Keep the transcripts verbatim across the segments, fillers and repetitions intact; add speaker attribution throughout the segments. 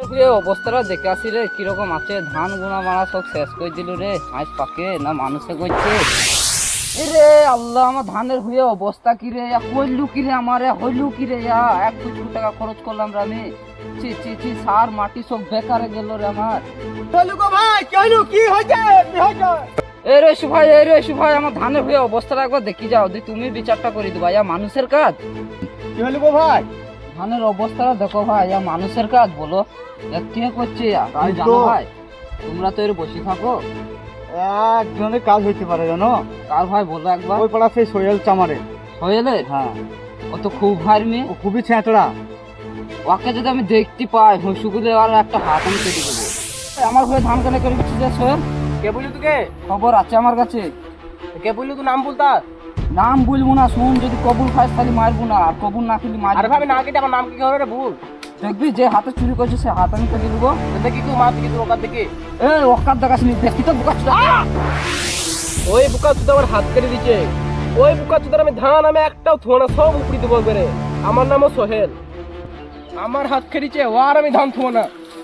Speaker 1: অবস্থাটা দেখে আসি রে কিরকম আছে। ধান গুনা মারা সব শেষ করে দিল রে। আজ পাকে না মানুষে করছে রে। আল্লাহ, আমার ধানের হয়ে অবস্থা কি রে, কইলু কি রে, আমার হইলু কি রে, এক কোটি টাকা খরচ করলাম রে আমি। ছি ছি ছি, সার মাটি সব বেকারে গেল রে আমার।
Speaker 2: ভাই কি হয়েছে কি হয়েছে?
Speaker 1: এই রে সুভাই, এই রে সুভাই, আমার ধানের হয়ে অবস্থাটা একবার দেখি যাও, দি তুমি বিচারটা করে দিবা। ইয়া মানুষের কাজ?
Speaker 2: কি হলো গো ভাই?
Speaker 1: ধানের অবস্থাটা দেখো ভাই, ইয়া মানুষের কাজ বলো? কে করছে আমি জানো ভাই? তোমরা তো এর বসে থাকো।
Speaker 2: একজনের কাজ হইতে পারে জানো?
Speaker 1: কার ভাই বলো একবার?
Speaker 2: ওই পাড়া সেই সোহেল চামারে।
Speaker 1: সোহেলের?
Speaker 2: হ্যাঁ।
Speaker 1: ও তো খুব ভাই মেয়ে,
Speaker 2: ও খুবই ছেঁচড়া।
Speaker 1: ওকে যদি আমি দেখতে পাই হুসুগুলে আর একটা হাত আমি কেটে দেবো। আমার হয়ে ধান কেনে করে দিচ্ছি যে সোহেল।
Speaker 2: কে বললি তোকে?
Speaker 1: খবর আছে আমার কাছে।
Speaker 2: কে বললি তুই নাম বলতা?
Speaker 1: নাম বলবো না, শুন, যদি কবুল খাস তাহলে মারবো না, আর কবুল না খেলে মারবো।
Speaker 2: আরে ভাবি না কেটে আমার নাম কি হবে রে? ভুল
Speaker 1: দেখবি যে হাতে চুরি করছে সে হাত আমি কেটে দেবো।
Speaker 2: দেখি তুই মা দেখি তোর ওকার দেখি।
Speaker 1: এ ওকার দেখাস নি, দেখি তো বোকা চুদা।
Speaker 2: ওই বুকা চুদা আমার হাত কেটে দিচ্ছে। ওই বুকা চুদার আমি ধান আমি একটাও থো না, সব উপরি দেবো একবারে। আমার নামও সোহেল, আমার হাত কেটেছে, ও আর আমি ধান থো না।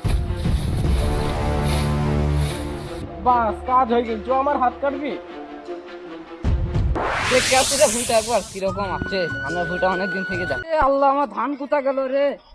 Speaker 2: বাস কাজ হয়ে গেল, আমার হাত কাটবি।
Speaker 1: দেখ কে আছে রে ভুঁইটা একবার কিরকম আছে। ধানের ভুঁইটা অনেকদিন থেকে যায়। এ আল্লাহ, আমার ধান কোথা গেল রে।